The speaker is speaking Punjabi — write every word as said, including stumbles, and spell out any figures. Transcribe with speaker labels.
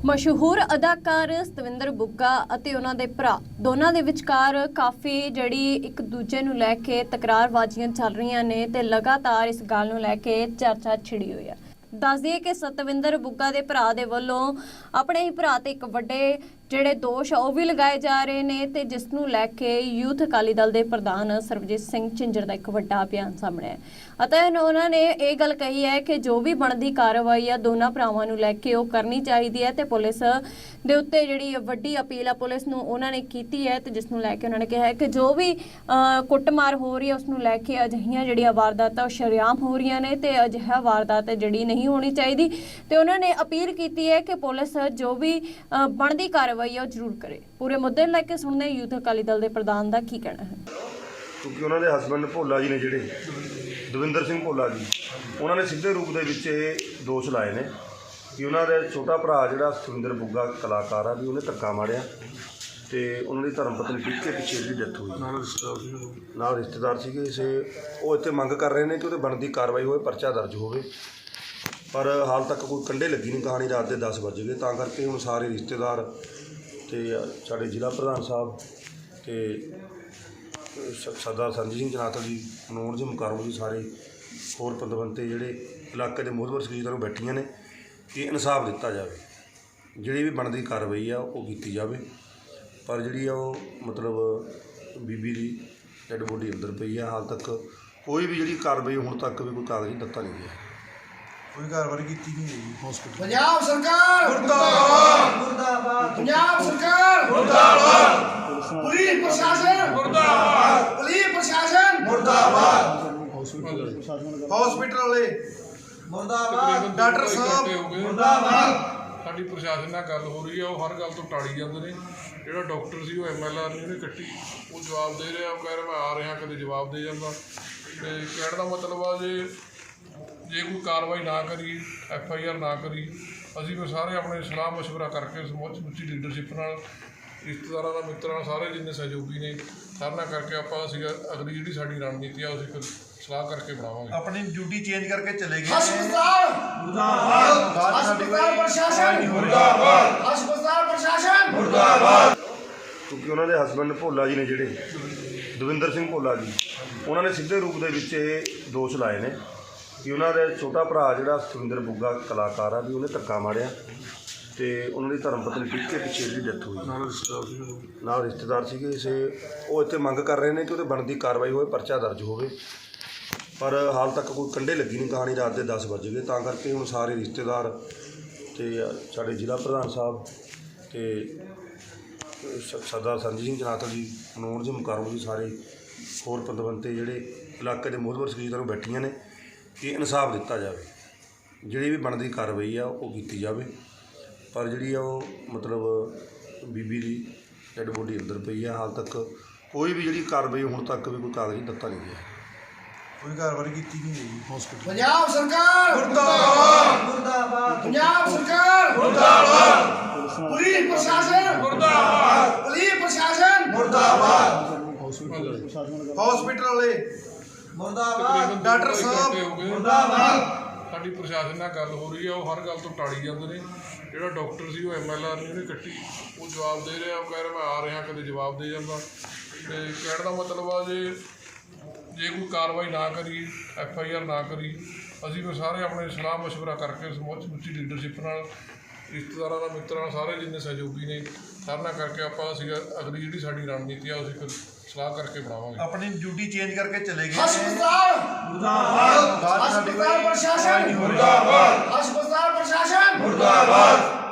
Speaker 1: मशहूर अदाकार सतविंदर बुग्गा ਅਤੇ ਉਹਨਾਂ ਦੇ ਭਰਾ ਦੋਨਾਂ ਦੇ ਵਿਚਕਾਰ ਕਾਫੀ ਜਿਹੜੀ ਇੱਕ ਦੂਜੇ ਨੂੰ ਲੈ ਕੇ ਤਕਰਾਰਬਾਜ਼ੀਆਂ ਚੱਲ ਰਹੀਆਂ ਨੇ ਤੇ ਲਗਾਤਾਰ ਇਸ ਗੱਲ ਨੂੰ ਲੈ ਕੇ ਚਰਚਾ ਛਿੜੀ ਹੋਈ ਹੈ। ਦੱਸ ਦਈਏ ਕਿ ਸਤਵਿੰਦਰ ਬੁੱਗਾ ਦੇ ਭਰਾ ਦੇ ਵੱਲੋਂ ਆਪਣੇ ਹੀ ਭਰਾ ਤੇ ਇੱਕ ਵੱਡੇ ਜਿਹੜੇ ਦੋਸ਼ ਉਹ ਵੀ ਲਗਾਏ ਜਾ ਰਹੇ ਨੇ ਤੇ ਜਿਸ ਨੂੰ ਲੈ ਕੇ ਯੂਥ ਅਕਾਲੀ ਦਲ ਦੇ ਪ੍ਰਧਾਨ ਸਰਬਜੀਤ ਸਿੰਘ ਝਿੰਜਰ ਦਾ ਇੱਕ ਵੱਡਾ ਬਿਆਨ ਸਾਹਮਣੇ ਹੈ ਅਤੇ ਉਹਨਾਂ ਨੇ ਇਹ ਗੱਲ ਕਹੀ ਹੈ ਕਿ ਜੋ ਵੀ ਬਣਦੀ ਕਾਰਵਾਈ ਆ ਦੋਨਾਂ ਭਰਾਵਾਂ ਨੂੰ ਲੈ ਕੇ ਉਹ ਕਰਨੀ ਚਾਹੀਦੀ ਹੈ ਤੇ ਪੁਲਿਸ ਦੇ ਉੱਤੇ ਜਿਹੜੀ ਵੱਡੀ ਅਪੀਲ ਆ ਪੁਲਿਸ ਨੂੰ ਉਹਨਾਂ ਨੇ ਕੀਤੀ ਹੈ ਤੇ ਜਿਸ ਨੂੰ ਲੈ ਕੇ ਉਹਨਾਂ ਨੇ ਕਿਹਾ ਹੈ ਕਿ ਜੋ ਵੀ ਕੁੱਟਮਾਰ ਹੋ ਰਹੀ ਹੈ ਉਸ ਨੂੰ ਲੈ ਕੇ ਅਜਿਹੀਆਂ ਜਿਹੜੀਆਂ ਵਾਰਦਾਤਾਂ ਉਹ ਸ਼ਰੇਆਮ ਹੋ ਰਹੀਆਂ ਨੇ ਤੇ ਅਜਿਹਾ ਵਾਰਦਾਤ ਜਿਹੜੀ ਨਹੀਂ ਹੋਣੀ ਚਾਹੀਦੀ ਤੇ ਉਹਨਾਂ ਨੇ ਅਪੀਲ ਕੀਤੀ ਹੈ ਕਿ ਪੁਲਿਸ ਜੋ ਵੀ ਬਣਦੀ ਕਾਰਵਾਈ ਉਹ ਜ਼ਰੂਰ ਕਰੇ। ਪੂਰੇ ਮੁੱਦੇ ਨੂੰ ਲੈ ਕੇ ਸੁਣਦੇ ਯੂਥ ਅਕਾਲੀ ਦਲ ਦੇ ਪ੍ਰਧਾਨ ਦਾ ਕੀ ਕਹਿਣਾ ਹੈ।
Speaker 2: ਕਿਉਂਕਿ ਉਹਨਾਂ ਦੇ ਹਸਬੈਂਡ ਭੋਲਾ ਜੀ ਨੇ ਜਿਹੜੇ ਦਵਿੰਦਰ ਸਿੰਘ ਭੋਲਾ ਜੀ ਉਹਨਾਂ ਨੇ ਸਿੱਧੇ ਰੂਪ ਦੇ ਵਿੱਚ ਇਹ ਦੋਸ਼ ਲਾਏ ਨੇ ਕਿ ਉਹਨਾਂ ਦਾ ਛੋਟਾ ਭਰਾ ਜਿਹੜਾ ਸਤਵਿੰਦਰ ਬੁੱਗਾ ਕਲਾਕਾਰ ਆ ਵੀ ਉਹਨੇ ਧੱਕਾ ਮਾਰਿਆ ਤੇ ਉਹਨਾਂ ਦੀ ਧਰਮ ਪਤਨੀ ਪਿੱਛੇ ਪਿੱਛੇ ਦੀ ਡੈਥ ਹੋਈ ਨਾਲ ਰਿਸ਼ਤੇਦਾਰ ਨਾਲ ਰਿਸ਼ਤੇਦਾਰ ਸੀਗੇ ਇਸੇ ਉਹ ਇੱਥੇ ਮੰਗ ਕਰ ਰਹੇ ਨੇ ਕਿ ਉਹਦੇ ਬਣਦੀ ਕਾਰਵਾਈ ਹੋਵੇ, ਪਰਚਾ ਦਰਜ ਹੋਵੇ, ਪਰ ਹਾਲ ਤੱਕ ਕੋਈ ਕੰਢੇ ਲੱਗੀ ਨਹੀਂ। ਕਹਾਣੀ ਰਾਤ ਦੇ ਦਸ ਵੱਜ ਗਏ ਤਾਂ ਕਰਕੇ ਹੁਣ ਸਾਰੇ ਰਿਸ਼ਤੇਦਾਰ ਤੇ ਸਾਡੇ ਜ਼ਿਲ੍ਹਾ ਪ੍ਰਧਾਨ ਸਾਹਿਬ ਤੇ ਸਰਦਾਰ ਸੰਜੀਤ ਸਿੰਘ ਜਨਾਤਲ ਜੀ, ਮਨੋਜ ਜੀ ਮੁਕਰਮ ਜੀ, ਸਾਰੇ ਹੋਰ ਪਤਵੰਤੇ ਜਿਹੜੇ ਇਲਾਕੇ ਦੇ ਮੋਹਤਬਰ ਸ਼ਖਸੀਅਤਾਂ ਨੂੰ ਬੈਠੀਆਂ ਨੇ ਕਿ ਇਨਸਾਫ ਦਿੱਤਾ ਜਾਵੇ, ਜਿਹੜੀ ਵੀ ਬਣਦੀ ਕਾਰਵਾਈ ਆ ਉਹ ਕੀਤੀ ਜਾਵੇ। ਪਰ ਜਿਹੜੀ ਆ ਉਹ ਮਤਲਬ ਬੀਬੀ ਦੀ ਡੈਡ ਬੋਡੀ ਅੰਦਰ ਪਈ ਆ, ਹਾਲ ਤੱਕ ਕੋਈ ਵੀ ਜਿਹੜੀ ਕਾਰਵਾਈ ਹੁਣ ਤੱਕ ਵੀ ਕੋਈ ਕਾਗਜ਼ੀ ਦਿੱਤਾ ਨਹੀਂ ਗਿਆ, ਕੋਈ ਕਾਰਵਾਈ ਕੀਤੀ ਨਹੀਂ ਗਈ। ਹਸਪੀਟਲ
Speaker 3: ਪੰਜਾਬ ਸਰਕਾਰ ਮੁਰਦਾਬਾਦ ਮੁਰਦਾਬਾਦ ਪੰਜਾਬ ਸਰਕਾਰ ਮੁਰਦਾਬਾਦ ਪੁਲਿਸ ਪ੍ਰਸ਼ਾਸਨ ਮੁਰਦਾਬਾਦ ਪੁਲਿਸ ਪ੍ਰਸ਼ਾਸਨ ਮੁਰਦਾਬਾਦ ਹਸਪੀਟਲ ਵਾਲੇ ਮੁਰਦਾਬਾਦ ਡਾਕਟਰ ਸਾਹਿਬ ਮੁਰਦਾਬਾਦ।
Speaker 4: ਸਾਡੀ ਪ੍ਰਸ਼ਾਸਨ ਨਾਲ ਗੱਲ ਹੋ ਰਹੀ ਆ, ਉਹ ਹਰ ਗੱਲ ਤੋਂ ਟਾਲੀ ਜਾਂਦੇ ਨੇ। ਜਿਹੜਾ ਡਾਕਟਰ ਸੀ ਉਹ ਐਮ ਐਲ ਆਰ ਨੇ ਉਹਨੇ ਕੱਟੀ, ਉਹ ਜਵਾਬ ਦੇ ਰਿਹਾ, ਉਹ ਕਹਿ ਰਿਹਾ ਮੈਂ ਆ ਰਿਹਾ, ਕਦੇ ਜਵਾਬ ਦੇ ਜਾਂਦਾ। ਤੇ ਕਹਿਣ ਦਾ ਮਤਲਬ ਆ ਜੇ ਜੇ ਕੋਈ ਕਾਰਵਾਈ ਨਾ ਕਰੀ, ਐਫ ਆਈ ਆਰ ਨਾ ਕਰੀ, ਅਸੀਂ ਫਿਰ ਸਾਰੇ ਆਪਣੇ ਸਲਾਹ ਮਸ਼ਵਰਾ ਕਰਕੇ ਸਮੁੱਚੀ ਲੀਡਰਸ਼ਿਪ ਨਾਲ, ਰਿਸ਼ਤੇਦਾਰਾਂ ਨਾਲ, ਮਿੱਤਰਾਂ ਨਾਲ, ਸਾਰੇ ਜਿੰਨੇ ਸਹਿਯੋਗੀ ਨੇ ਸਾਰਿਆਂ ਨਾਲ ਕਰਕੇ ਆਪਾਂ ਅਸੀਂ ਅਗਲੀ ਜਿਹੜੀ ਸਾਡੀ ਰਣਨੀਤੀ ਆ ਅਸੀਂ ਸਲਾਹ ਕਰਕੇ ਬਣਾਵਾਂਗੇ।
Speaker 2: ਆਪਣੀ ਡਿਊਟੀ ਚੇਂਜ ਕਰਕੇ ਚਲੇ ਗਏ।
Speaker 3: ਹਸਪਤਾਲ ਮੁਰਦਾਬਾਦ ਹਸਪਤਾਲ ਪ੍ਰਸ਼ਾਸਨ ਮੁਰਦਾਬਾਦ ਹਸਪਤਾਲ ਪ੍ਰਸ਼ਾਸਨ ਮੁਰਦਾਬਾਦ।
Speaker 2: ਕਿਉਂਕਿ ਉਹਨਾਂ ਦੇ ਹਸਬੈਂਡ ਭੋਲਾ ਜੀ ਨੇ ਜਿਹੜੇ ਦਵਿੰਦਰ ਸਿੰਘ ਭੋਲਾ ਜੀ ਉਹਨਾਂ ਨੇ ਸਿੱਧੇ ਰੂਪ ਦੇ ਵਿੱਚ ਇਹ ਦੋਸ਼ ਲਾਏ ਨੇ ਕਿ ਉਹਨਾਂ ਦਾ ਛੋਟਾ ਭਰਾ ਜਿਹੜਾ ਸਤਵਿੰਦਰ ਬੁੱਗਾ ਕਲਾਕਾਰ ਆ ਵੀ ਉਹਨੇ ਧੱਕਾ ਮਾਰਿਆ ਤੇ ਉਹਨਾਂ ਦੀ ਧਰਮ ਪਤਨੀ ਪਿੱਛੇ ਪਿੱਛੇ ਦੀ ਡੈਥ ਹੋਈ ਨਾਲ ਰਿਸ਼ਤੇਦਾਰ ਨਾਲ ਰਿਸ਼ਤੇਦਾਰ ਸੀਗੇ ਇਸੇ ਉਹ ਇੱਥੇ ਮੰਗ ਕਰ ਰਹੇ ਨੇ ਕਿ ਉਹਦੇ ਬਣਦੀ ਕਾਰਵਾਈ ਹੋਵੇ, ਪਰਚਾ ਦਰਜ ਹੋਵੇ, ਪਰ ਹਾਲ ਤੱਕ ਕੋਈ ਕੰਢੇ ਲੱਗੀ ਨਹੀਂ। ਕਹਾਣੀ ਰਾਤ ਦੇ ਦਸ ਵੱਜ ਗਏ ਤਾਂ ਕਰਕੇ ਹੁਣ ਸਾਰੇ ਰਿਸ਼ਤੇਦਾਰ ਤੇ ਸਾਡੇ ਜ਼ਿਲ੍ਹਾ ਪ੍ਰਧਾਨ ਸਾਹਿਬ ਤੇ ਸਰਦਾਰ ਸੰਜੀਤ ਸਿੰਘ ਜਨਾਤਲ ਜੀ, ਮਨੋਜ ਜੀ ਮੁਕਰਮ ਜੀ, ਸਾਰੇ ਹੋਰ ਪਤਵੰਤੇ ਜਿਹੜੇ ਇਲਾਕੇ ਦੇ ਮੋਹਤਬਰ ਸ਼ਖਸੀਅਤਾਂ ਨੂੰ ਬੈਠੀਆਂ ਨੇ ਕਿ ਇਨਸਾਫ ਦਿੱਤਾ ਜਾਵੇ, ਜਿਹੜੀ ਵੀ ਬਣਦੀ ਕਾਰਵਾਈ ਆ ਉਹ ਕੀਤੀ ਜਾਵੇ। ਪਰ ਜਿਹੜੀ ਆ ਉਹ ਮਤਲਬ ਬੀਬੀ ਦੀ ਡੈਡ ਬੋਡੀ ਅੰਦਰ ਪਈ ਆ, ਹਾਲ ਤੱਕ ਕੋਈ ਵੀ ਜਿਹੜੀ ਕਾਰਵਾਈ ਹੁਣ ਤੱਕ ਵੀ ਕੋਈ ਕਾਗਜ਼ੀ ਦਿੱਤਾ ਨਹੀਂ ਗਿਆ, ਕੋਈ ਕਾਰਵਾਈ ਕੀਤੀ ਨਹੀਂ ਗਈ। ਹਸਪੀਟਲ
Speaker 3: ਪੰਜਾਬ ਸਰਕਾਰ ਮੁਰਦਾਬਾਦ ਮੁਰਦਾਬਾਦ ਪੰਜਾਬ ਸਰਕਾਰ ਮੁਰਦਾਬਾਦ ਪੁਲਿਸ ਪ੍ਰਸ਼ਾਸਨ ਮੁਰਦਾਬਾਦ ਪੁਲਿਸ ਪ੍ਰਸ਼ਾਸਨ ਮੁਰਦਾਬਾਦ ਹਸਪੀਟਲ ਵਾਲੇ ਮੁਰਦਾਬਾਦ ਡਾਕਟਰ ਸਾਹਿਬ ਮੁਰਦਾਬਾਦ।
Speaker 4: ਸਾਡੀ ਪ੍ਰਸ਼ਾਸਨ ਨਾਲ ਗੱਲ ਹੋ ਰਹੀ ਆ, ਉਹ ਹਰ ਗੱਲ ਤੋਂ ਟਾਲੀ ਜਾਂਦੇ ਨੇ। ਜਿਹੜਾ ਡਾਕਟਰ ਸੀ ਉਹ ਐਮ ਐਲ ਆਰ ਨੇ ਉਹਨੇ ਕੱਟੀ, ਉਹ ਜਵਾਬ ਦੇ ਰਿਹਾ, ਉਹ ਕਹਿ ਰਿਹਾ ਮੈਂ ਆ ਰਿਹਾ, ਕਦੇ ਜਵਾਬ ਦੇ ਜਾਂਦਾ। ਤੇ ਕਹਿਣ ਦਾ ਮਤਲਬ ਆ ਜੇ ਜੇ ਕੋਈ ਕਾਰਵਾਈ ਨਾ ਕਰੀ, ਐਫ ਆਈ ਆਰ ਨਾ ਕਰੀ, ਅਸੀਂ ਫਿਰ ਸਾਰੇ ਆਪਣੇ ਸਲਾਹ ਮਸ਼ਵਰਾ ਕਰਕੇ ਸਮੁੱਚੀ ਲੀਡਰਸ਼ਿਪ ਨਾਲ, ਰਿਸ਼ਤੇਦਾਰਾਂ ਨਾਲ, ਮਿੱਤਰਾਂ ਨਾਲ, ਸਾਰੇ ਜਿੰਨੇ ਸਹਿਯੋਗੀ ਨੇ ਸਾਰਿਆਂ ਨਾਲ ਕਰਕੇ ਆਪਾਂ ਅਸੀਂ ਅਗਲੀ ਜਿਹੜੀ ਸਾਡੀ ਰਣਨੀਤੀ ਆ ਅਸੀਂ ਫਿਰ ਸਲਾਹ ਕਰਕੇ ਬਣਾਵਾਂਗੇ।
Speaker 2: ਆਪਣੀ ਡਿਊਟੀ ਚੇਂਜ ਕਰਕੇ ਚਲੇ ਗਏ।
Speaker 3: ਹਸਪਤਾਲ ਮੁਰਦਾਬਾਦ ਹਸਪਤਾਲ ਪ੍ਰਸ਼ਾਸਨ ਮੁਰਦਾਬਾਦ ਹਸਪਤਾਲ ਪ੍ਰਸ਼ਾਸਨ ਮੁਰਦਾਬਾਦ।